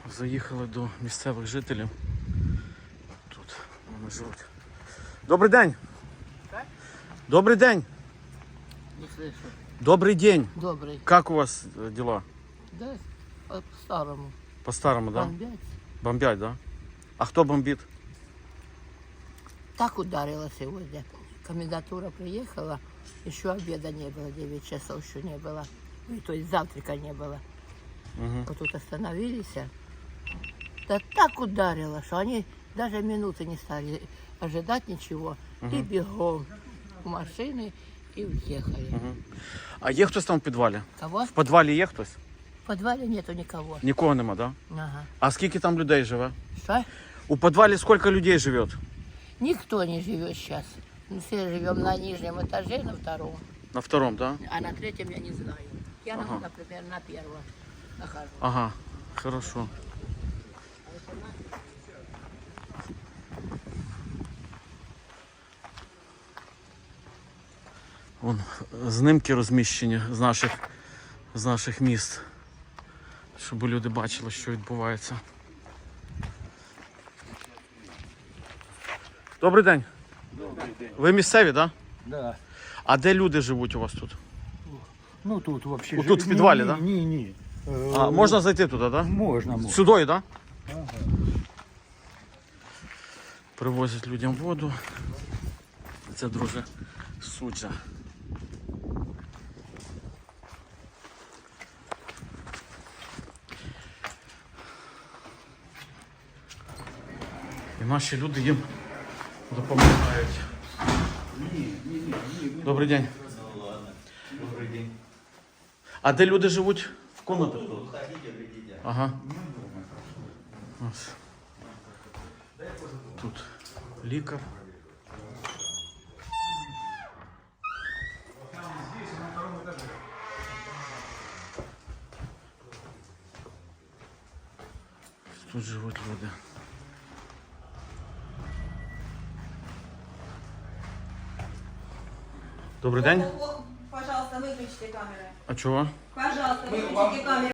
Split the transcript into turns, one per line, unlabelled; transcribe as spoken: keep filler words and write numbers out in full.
Заїхали до місцевих жителів. Тут вони живуть. Добрий день! Добрий день!
Не слышу.
Добрый день!
Добрый.
Как у вас э, дела?
Да, по-старому.
По-старому, да?
Бомбять.
Бомбят, да? А кто бомбит?
Так ударило сегодня. Комендатура приехала, еще обеда не было, девять часов еще не было. Ну, то есть завтрака не было.
Угу.
Вот тут остановились. Да так ударило, что они даже минуты не стали ожидать ничего.
Угу.
И бегом в машины и уехали.
Угу. А є хтось там в підвалі?
Кого?
В підвалі є хтось?
В подвале нету никого.
Нікого нема, да?
Ага.
А скільки там людей живе?
Что?
У підвалі скільки людей живе?
Никто не живет сейчас. Мы все живем на нижнем этаже, на втором.
На втором, да?
А на третьем я не знаю. Я,
Ага.
например, на первом нахожусь.
Ага, хорошо. Вон знимки розміщені з наших, з наших міст, щоб люди бачили, що відбувається. Добрий день.
Добрий день.
Ви місцеві, так? Да?
Да.
А де люди живуть у вас тут?
Ну тут вообще.
Вот тут
жи-
в підвалі,
ні,
да?
Ні, ні. Е,
А, можна зайти туди, так? Да?
Можна, можна.
Сюди, так? Да?
Ага.
Привозять людям воду. Це, друже, суджа. І наші люди їм допомагають. Добрий день. Добрий день. А де люди живуть? В комнатах тут? Ага. Ось. Тут лікар. Тут живуть люди. Добрий день.
Пожалуйста, выключите камеры.
А чого?
Пожалуйста, выключите камеры.